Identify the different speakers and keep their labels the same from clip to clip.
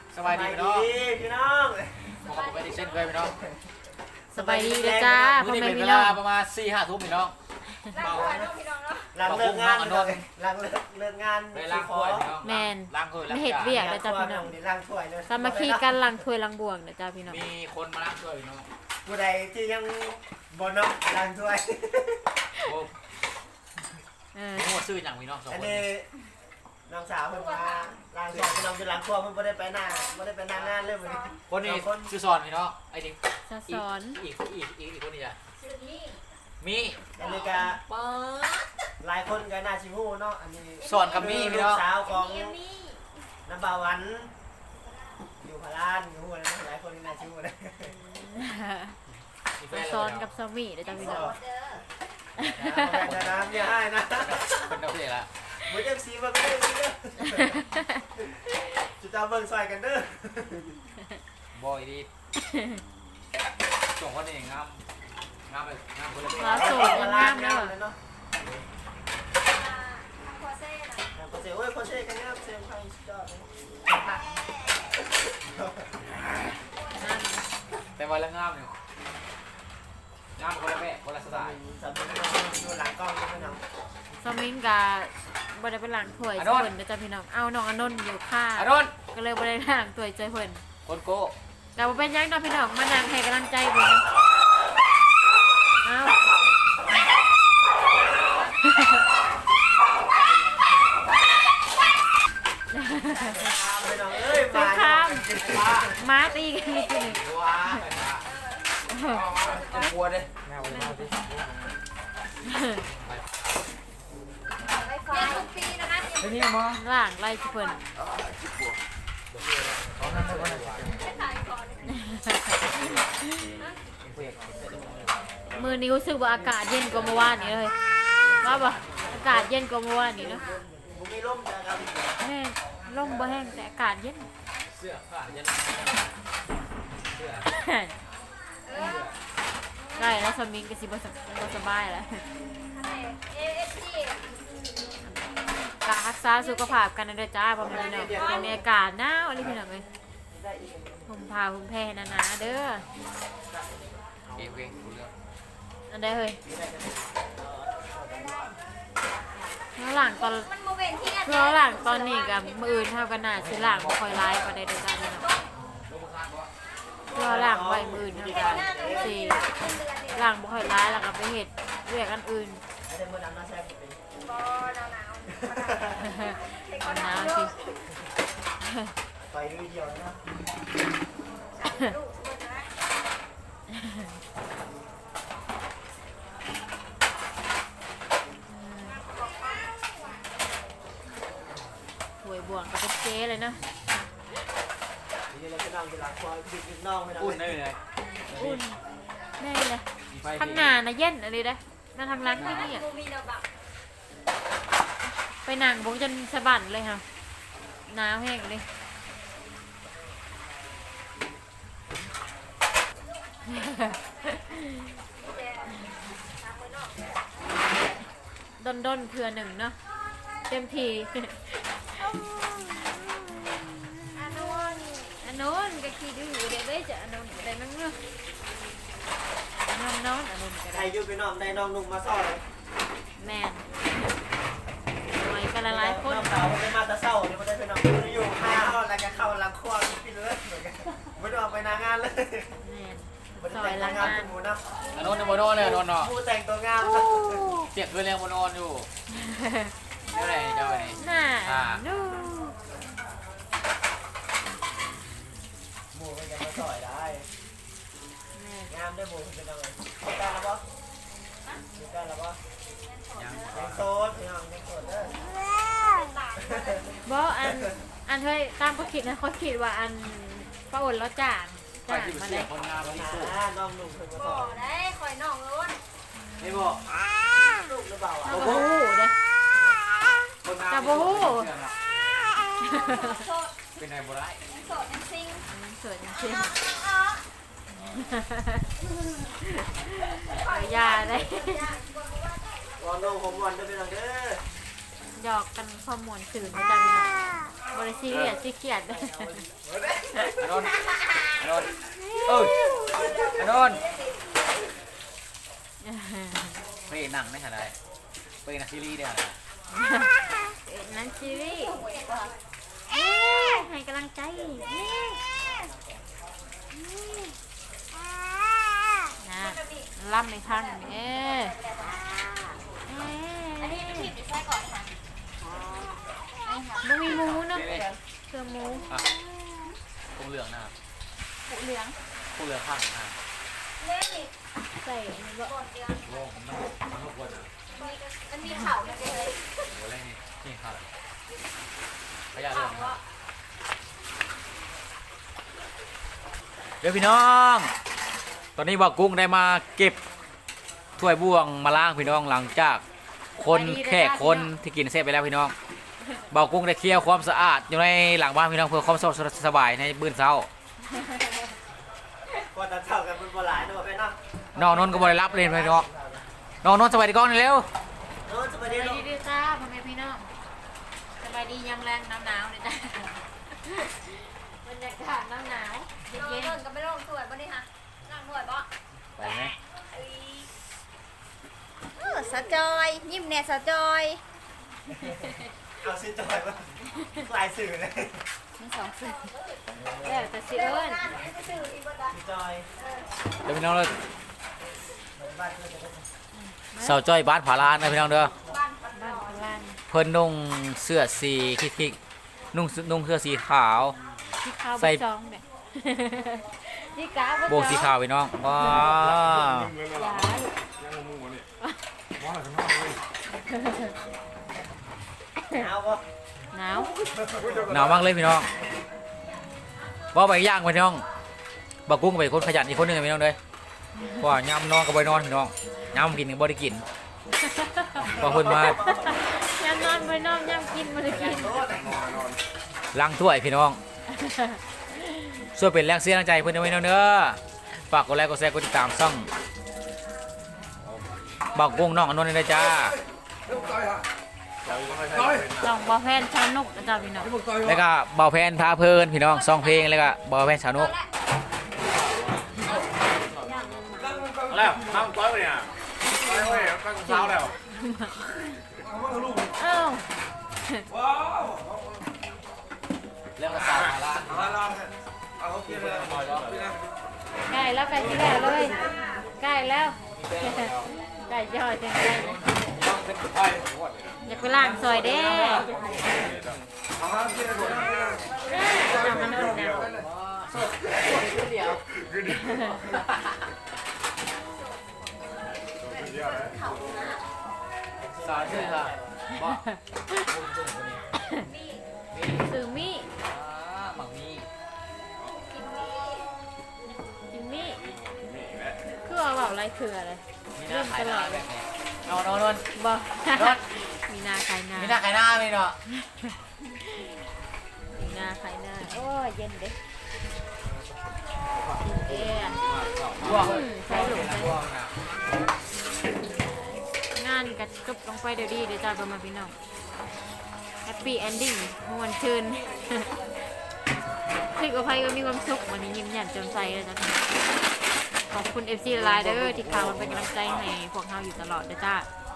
Speaker 1: สบายดีพี่น้อง
Speaker 2: พี่น้อง
Speaker 1: ผมก็ไปดิเช่นเคยพี่น้อง
Speaker 3: สบายดีเด้อจ้าพ่อ
Speaker 1: มื้อนี้
Speaker 3: แม่
Speaker 1: เป็นเว
Speaker 3: พี่น้
Speaker 1: ลา
Speaker 3: อง
Speaker 1: ประมาณ 4-5 ทุ่มพี่น้อง
Speaker 2: หลังเลิกงานหลังเลิกงาน
Speaker 1: ไปล้างถ้วยพี่น้อง
Speaker 3: แมน
Speaker 1: ล้างถ้วยล้าง
Speaker 3: ไม่เห็ดเวียกนะจ้าพี่น้อง
Speaker 2: ล้างถ้วยเลย
Speaker 3: สามัคคีกันลังถ้วยลังบวงนะจ้าพี่น้อง
Speaker 1: มีคนมาล้างถ้วยพี่น้อง
Speaker 2: ผู้ใดที่ยังบ่น้องล้างถ้วย
Speaker 1: โอ้
Speaker 3: เออ
Speaker 1: โหซื้ออย่างพี่น้องสอง
Speaker 2: อัน
Speaker 1: คน
Speaker 2: นี้น้องสาวเพิ่นมาล้างถ้วยพี่น้องจะล้างครัวเพิ่นบ่ได้ไปหน้างานเลยมื้อนี้
Speaker 1: คนนี้ชื่อสอนพี่น้องไอ้นี่
Speaker 3: สะสอน
Speaker 1: อีกคนนี้จ้ะมี
Speaker 2: อันนี้ก็หลายคนก็น่าสิฮู้เนาะอันนี้
Speaker 1: สอนกับมีพี่
Speaker 2: ลู
Speaker 1: น้
Speaker 2: ก
Speaker 1: อง
Speaker 2: สาวของน้ำบาวันอยู่พารานอยู่ฮู้นะหลายคนก็น่าสิฮู้นะ
Speaker 1: มีแฟ
Speaker 3: สะ
Speaker 1: น
Speaker 3: สอน
Speaker 1: แล้ว
Speaker 3: กับสามีนะจ้าพี่น้อง
Speaker 2: จะน้ำอย่าให้นะ
Speaker 1: เป็นดาวเสียละ
Speaker 2: มือจังสีเบิ่งเด้อสิเด้อจุดตาเบิ่งซอยกันเด้อบ
Speaker 1: อยดีส่งคนนี้งามเลยงามคนละ
Speaker 3: เราโสดยังงามเด้อ
Speaker 2: เนาะโคเซ่โอ้ยโคเซ่กันงามเซมไทยสุดยอดเลย
Speaker 1: แต่ว่าละงามเนี่ยงามคนละแม่คนละสไตล์
Speaker 2: สำหรับดูหลังกล้องนี่พี่น้อง
Speaker 3: สมิงกับ่ได้ไปล้างถ้วยเพิ่นนะจ้าพี่น้องเอาน้องอนนท์อยู่ค่า
Speaker 1: อารอน
Speaker 3: ก็เลยบ่ได้ล้างถ้วยใจเพิ่น
Speaker 1: คนโก้
Speaker 3: แต่บ่เป็นหยังเนาะพี่น้องมานั่งให้กำลังใจเพิ่นเนาะเอา
Speaker 2: พี่น้องเอ้ย
Speaker 3: สงครามม้าตีกันนิดนึง
Speaker 1: ว้าจะกลัวเลย
Speaker 3: นี่มั้งล่างไล่เพิ่นมือนี้รู้สึกว่าอากาศเย็นกว่าเมื่อวานนี้เลยว่าบ่อากาศเย็นกว่าเมื่อวานนี้เนาะ
Speaker 2: บุมีร่มจ้ะครับ
Speaker 3: แห้งลมบ่แห้งแต่อากาศเย็น
Speaker 1: เสื้อผ้ายันเสื้อ
Speaker 3: ได้แล้วสมิงก็สิบ่สบายแล้วกะรักษาสุขภาพกันนะเด้อจ้าพ่อแม่พี่น้องเป็นอากาศหนาวอะไรพี่น้องเอ้ยผมพาผมแพ้หนาๆเด้อ
Speaker 1: เก่งเก่งรู้เรื่อง
Speaker 3: อันใดเฮ้ยแล้วหลังตอนแล้วหลังตอนนี้กับมืออื่นเท่ากันน่ะสิหลังบ่ค่อยร้ายปานใดเด้อจ้าพี่น้องแล้วหลังไว้มืออื่นเท่ากันสิหลังบ่ค่อยร้ายแล้วก็ไปเฮ็ดเวียกอันอื่น
Speaker 2: ไม่ได้มือน้ำน้าแซ่บเป็น
Speaker 3: หนาวสิ
Speaker 2: ไปลุยเดียวนะ
Speaker 3: ถวยบวงก็เป็นเจ๊เลยเนาะ
Speaker 2: นี่เราจะนั่งอยู่หลังคอยบิดน้องไม่ได้
Speaker 1: อุ่นได้เลย
Speaker 3: อุ่นแน่เลย
Speaker 1: มีไฟ
Speaker 3: ข้างหน้านะเย็นอะไรได้นั่งทางหลังนี่เนี่ยไปนั่งบงจนสะบันเลยค่ะหนาวแห้งเลยด้นเพื่อหนึ่งเนาะเต็มทีอันนู้นก็ขี้ดื้อเดี๋ยวได้จะอันนู้นได้มั้งเนาะนอนอันนู้นก็
Speaker 2: ใคร
Speaker 3: ได้
Speaker 2: อยู่ไปน้องได้น้องนุ่มมาซ่อน
Speaker 3: แมนหอยกันละลายคน
Speaker 2: น้องสาวไม่มาตะเศร้าเนี่ยไม่ได้ไปน้องอยู่ข้าวแล้วก็เข้าหลังครัวกินเลยเหมือนกันไม่ได้ออกไปนางานเลย
Speaker 3: แมน
Speaker 2: ไม่ได้แต่งงานเป็นหมูนะ
Speaker 1: อันนู้นโมโน่เลยอันนู้นเนาะ
Speaker 2: ผู้แต่งตัวงาม
Speaker 1: เสียงคือเรียงโมโน่อยู่เจ้าไหนเจ้าไหน
Speaker 3: น่าดู
Speaker 2: หมูมันยังมาสอยได้
Speaker 3: แม่น
Speaker 2: งามได้หมูเป็นยังไงมีการแล้วปะมีการแล้วปะ
Speaker 1: ยัง
Speaker 2: ยังโซดยังโซดเด้อ
Speaker 3: บอกอันเฮ้ยตามเขาคิดนะเขาคิดว่าอันป้าอ่นแล้วจ่าง
Speaker 1: ไป
Speaker 3: จ่าง
Speaker 1: ที่
Speaker 3: มา
Speaker 1: เสี
Speaker 3: เลย ย
Speaker 1: คนงามที่สุด
Speaker 2: น้องนุ่มเพิ่งมาส
Speaker 4: บ่
Speaker 2: อย
Speaker 4: ได้ข่อยน้องล้น
Speaker 1: ไม่บอก
Speaker 2: ลูกหรือเปล่า
Speaker 3: โอ้โหเด้
Speaker 1: คนงาม
Speaker 3: จะบู๊
Speaker 4: โสด
Speaker 1: เป็นไงบ่ได้
Speaker 4: โสดยังซิง
Speaker 3: สวยจริง
Speaker 4: อ๋อ
Speaker 3: ๆขอยาได้
Speaker 2: วอนน้องผมวันจะเป็นยังเด้อ
Speaker 3: หยอกกันข้อมูลสื่อนะจ๊ะพี่น้องบริซีเรียสซีเกียด
Speaker 1: อนนอนเอออนนเพลงหนังไม่ขนาดไหนเพลงนักซีรีส์เนี่ยนะ
Speaker 3: นั่นซีรีส์ให้กำลังใจนะล่ำในข้างนี้
Speaker 4: อันนี้ทีมดิใส่ก่อนค่ะ
Speaker 3: มันมีหมูเนาะเครื่องหมู
Speaker 1: อ่ะคงเหลืองนะครับ
Speaker 4: ผูเหลือง
Speaker 1: คงเหลืองข้างหน้า
Speaker 4: เล่นนี่
Speaker 3: ใส่อันนี้บ่
Speaker 4: บนเดือน
Speaker 1: โลกมันทุกคนอ่ะ
Speaker 4: มันมีเข่าเลย
Speaker 1: โหอะไรนี่ครับขยะเรื่องนะครับเดี๋ยวพี่น้อง ตอนนี้บ่าวกุ้งได้มาเก็บถ้วยบ่วงมาล้างพี่น้องหลังจากคนแขกคนที่กินเสร็จไปแล้วพี่น้องบ่าวกุ้งได้เคลียร์ความสะอาดอยู่ในหลังบ้านพี่น้องเพื่อความสบายในมื้อเช้า
Speaker 2: พอตอนเช้ากันมันบ่หลายเนาะไปเนาะ
Speaker 1: น้องนนท์ก็บ่ได้รับเลยพี่น้องน้องนนท์สบายดีก้อนหน่อยเร็ว
Speaker 2: โน้ตสวัสดี
Speaker 3: ส
Speaker 2: ลู
Speaker 3: บาย
Speaker 2: ก
Speaker 3: ดีจ้าพ่อแม่พี่น้องสบายดียามแรงหนาวๆเลยจ้าบรรยากาศหนาวๆ
Speaker 4: เย็
Speaker 3: เย็น
Speaker 4: นก็ไม่ลงสวยบ่นี่ค่ะนั่งสวยบ่
Speaker 1: ไปไหม
Speaker 4: สะจอยยิ้มแน่สะจอย
Speaker 2: เอาสิจอยมาลายสื่อเลย
Speaker 4: มีสองสื่อ
Speaker 3: ๆแล้วแต่สิเอิ้น
Speaker 2: สิจอย
Speaker 1: เดี๋ยวพี่น้องเลย
Speaker 2: บ้านเพื่อนจะได้
Speaker 1: เสาจ้อยบ้านผาลานนะพี่น้องเด้อ
Speaker 3: บ้านพลาน
Speaker 1: เพิ่นนุ่งเสื้อสีคิกๆนุ่งเสื้อสีขาว
Speaker 3: ที่ข้าว
Speaker 1: ใส่
Speaker 3: บะจองเนี่ยที่กา
Speaker 1: โบกสีขาวพี่น้องว้า
Speaker 2: เอาบ่
Speaker 3: หนาว
Speaker 1: หนาวมากเลยพี่น้องว่าไปย่างพี่น้องบักกุ้งเป็นคนขยันอีกคนหนึงพี่น้องเลยเพราะว่ายามนอนก็ไปนอนพี่น้องยามกินก็บ่ได้กินพอเพิ่นมาย
Speaker 3: ามนอนไปนอนยามกินมาได้กิน
Speaker 1: ล้างถ้วยพี่น้องช่วยเป็นแรงเสียแรงใจเพิ่นด้วยพี่น้องเด้อฝากกดไลค์กดแชร์กดติดตามช่องบักกุ้งน้องอนนท์ด้วยนะจ้า
Speaker 3: ลองบอแพนชานุกนะจ๊ะพี่น้อง
Speaker 1: แล้วก็เบาแพนพาเพลินพี่น้องซองเพลงแล้วก็เบาแพนสาวนุก
Speaker 5: แล้วตั้งก้อยไปเนี่ยก้อยไปตั้งเช้าแล้ว
Speaker 3: เอ้า
Speaker 1: แล้วก็สาวมาละ
Speaker 3: ใกล้แล้วใกล้ที่แล้วเลยใกล้แล้วใกล้ยอดจังเลยอยากไปล้างซอยเด้น้ำมันอุ่นแล้ว
Speaker 1: สาวชื่อค่ะบอก
Speaker 3: สื่อมี่
Speaker 1: หมักมี
Speaker 3: จิมมี่คือเอาแบบอะไรคืออะไร
Speaker 1: มีหน้าขายหน้าแบบนี้นอนน
Speaker 3: บอกมีนาขายนา
Speaker 1: มีหน้าขายหน้าไหมเนาะ
Speaker 3: มีนาขายนาโอ้ยเย็นเด้เอ๊ะ
Speaker 1: บ่วง
Speaker 3: ใส่หลุมใส่
Speaker 1: บ่วงนะ
Speaker 3: งานกระกึบลงไปเดี๋ยวดีเดี๋ยวจ้าประมาณพี่น้องแฮปปี้เอนดิ้งมวนชื่นคือกับใครก็มีความสุขวันนี้ยิ้มแย้มแจ่มใสเลยจ้ะขอบคุณ FC ไลน์เด้อที่ข่าวมันเป็นกำลังใจให้พวกเราอยู่ตลอดเด้อจ้า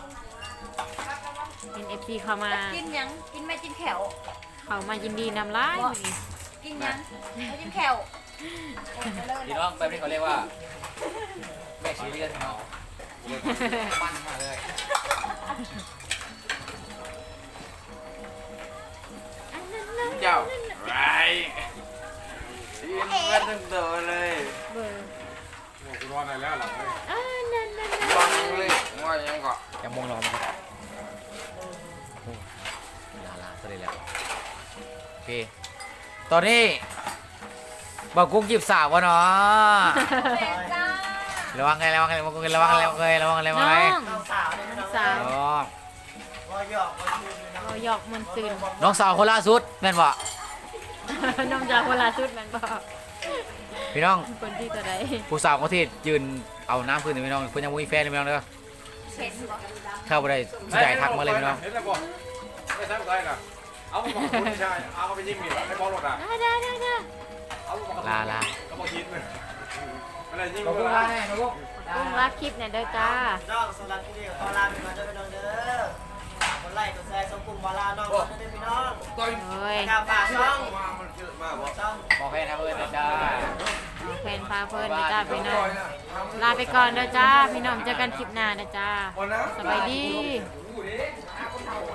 Speaker 3: เป็น FC เข้ามา
Speaker 4: กินยังกินไม่กินแขว
Speaker 3: เข้ามายินดีนำร้ายวันนี้
Speaker 4: กินยังไม่กินแขว
Speaker 1: พี่น้องแบบนี้เขาเรียกว่าแม่ชีเรียนเนาะปั้นมาเลย
Speaker 5: เจ้าไรยิ้มกันทั้งตัวเลย
Speaker 3: เบอร์
Speaker 5: โอ้กูนอนได้แล้วหลับเลย
Speaker 3: นั่น
Speaker 5: ฟังเลยว่ายังก็
Speaker 1: ยังมองรอมาครับโอ้ลาซะเลยแล้วโอเคตอนนี้บอกกุ้งจีบสาววะเนาะ
Speaker 4: จ้า
Speaker 1: ระวังไงระวังไงระวังไงระวังไงระวังไงระวังไงระวัง
Speaker 3: น้
Speaker 1: ไง
Speaker 3: อง
Speaker 2: น้องสาวเนี่ยพี่น้อง
Speaker 3: สาว
Speaker 1: อ๋อ
Speaker 2: บ่หยอกบ่ชื่นเลยเนาะ
Speaker 3: เราหยอกมนตื่น
Speaker 1: น้องสาวคนล่าสุดแม่นบ่
Speaker 3: น้องจากคนละชุดแมันบอก
Speaker 1: พี่น้อง
Speaker 3: คนที่จะได้
Speaker 1: ผู้สาวคนที่ยืนเอาน้ำพื้นพี่น้องเพิ่นยังบ่มีแฟนเลยพี่น้องเด้อ
Speaker 4: เห็นบ่
Speaker 1: เข้าบ่ได้สิได้ทักมาเลยพี่น้อง
Speaker 5: เห็นแล้วบ่ไม่ใช่ก้อยนะเอาไปบอกคุณชายเอาไปยิ้มเหนียวให้บอลรถอ่ะ
Speaker 3: ได้
Speaker 5: เอาไปบอก
Speaker 1: ลา
Speaker 5: ก็บอกคิดเลยอะไรยิ้ม
Speaker 1: ขอบคุณ
Speaker 5: เล
Speaker 1: ลาย ให้นะพวก
Speaker 3: กุ้งรักคลิปเนี่ยเด้อจ้า
Speaker 2: น้องสำหรับที่นี่ขอลาไปก่อนเด้อพี่น้องเด้อคนไล่กดแชร์ส่งกลุ่มบอลลาน้องเด้อพี่น้อง
Speaker 5: ต่อย
Speaker 3: โอ้ย
Speaker 2: กาฝากช่อง
Speaker 5: มามันเยอะมากบอก
Speaker 2: ช่อง
Speaker 1: ขอแค่นะเพื่อนจ้า
Speaker 3: เอาเพนพาเพลินเด้อจ้าพี่น้องลาไปก่อนเด้อจ้าพี่น้องเจอกันคลิปหน้าเด้อจ้า
Speaker 5: วันนะ
Speaker 3: สบายดี
Speaker 5: ดูดิ